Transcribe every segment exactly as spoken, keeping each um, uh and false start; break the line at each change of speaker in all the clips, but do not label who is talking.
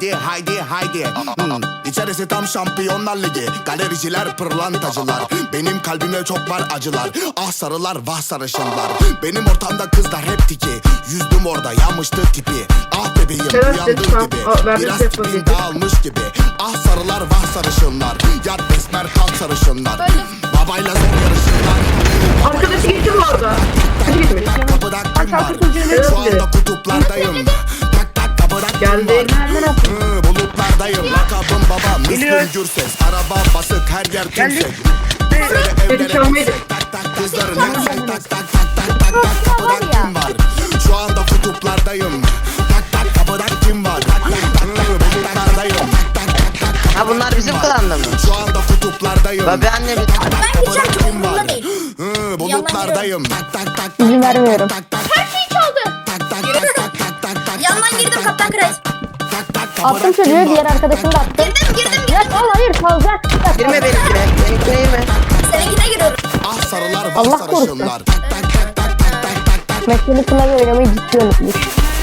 haydi haydi haydi. Hmm. İçerisi tam Şampiyonlar Ligi. Galericiler pırlantacılar. Benim kalbimde çok var acılar. Ah sarılar vah sarışınlar. Benim ortamda kızlar hep tiki. Yüzdüm orada yanmıştı tipi. Ah bebeğim
Evet,
uyandın
lütfen.
gibi.
Aa, ben
Biraz
bir şey
tipin
yapayım.
dağılmış gibi. Ah sarılar vah sarışınlar. Yat besmer kalk sarışınlar. Babayla zor yarışınlar.
Arkadaşı gitti bu arada. Hadi gitmiş.
Kapıda kim var?
Evet.
Şu anda kutuplardayım. Tak tak kapıda kim
Geldi.
var? Hı, bulutlardayım. Lakabım baba Müslüm Gürses. Araba basık her yer tümsek.
Beni çalmaydı.
Tak tak kızların hepsi tak tak tak tak tak tak kapıda kim var? Şu anda kutuplardayım. Tak tak kapıda kim var? Tak tak tak tak bulutlardayım. Tak tak tak tak
Ha bunlar bizim klanda mı?
şu anda kutuplardayım.
Babi anne bir
Ben gideceğim çok umurumda değil.
Hı, bulutlardayım. Tak tak tak
İzin vermiyorum.
tak tak
Her şeyi çaldı.
tak tak tak tak tak tak tak.
Yandan girdim Kaptan Kres.
Tak tak kapıda
Attım
kim
çocuğu,
var?
diğer arkadaşını da attım.
Girdim girdim girdim.
Ya oğlum hayır kalacak.
girme benimkine. Benimkine girme.
Seninkine giriyorum.
Ah sarılar
Allah
vah
korusun.
sarışınlar. Tak tak tak tak tak tak tak tak.
Mesleğini klavye oynamayı ciddi unutmuş.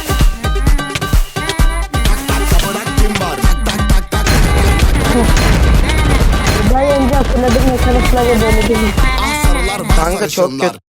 Kapıda kim var? Tak tak tak tak.
Ben önce hatırladım, mesela klavye böyle değil.
Ah sarılar vah
Kanka çok
sarışınlar.
kötü.